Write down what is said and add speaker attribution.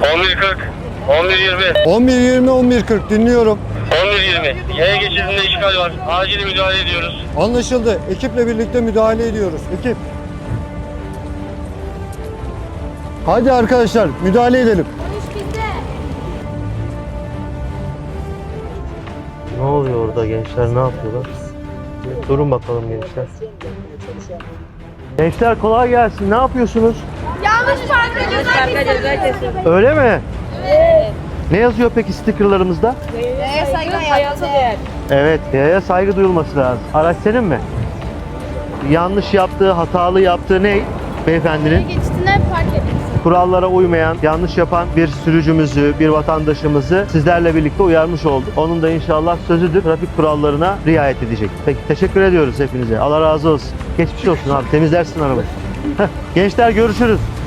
Speaker 1: 11.40, 11.20,
Speaker 2: 11.20, 11.40 dinliyorum.
Speaker 1: 11.20. Yaya geçidinde işgal var. Acil müdahale ediyoruz.
Speaker 2: Anlaşıldı. Ekiple birlikte müdahale ediyoruz. Ekip. Hadi arkadaşlar müdahale edelim.
Speaker 3: Ne oluyor orada gençler, ne yapıyorlar? Durun bakalım gençler. Gençler kolay gelsin. Ne yapıyorsunuz?
Speaker 4: Yanlış parka ceza kesiyor.
Speaker 3: Öyle mi? Evet. Ne yazıyor peki stickerlarımızda?
Speaker 4: Yaya saygı hayata değer.
Speaker 3: Evet, yaya saygı duyulması lazım. Araç senin mi? Yanlış yaptığı, hatalı yaptığı ne beyefendinin?
Speaker 4: Geçtiğinde park edilsin.
Speaker 3: Kurallara uymayan, yanlış yapan bir sürücümüzü, bir vatandaşımızı sizlerle birlikte uyarmış olduk. Onun da inşallah sözüdür, trafik kurallarına riayet edecek. Peki, teşekkür ediyoruz hepinize. Allah razı olsun. Geçmiş olsun abi, temizlersin arabayı. Gençler görüşürüz.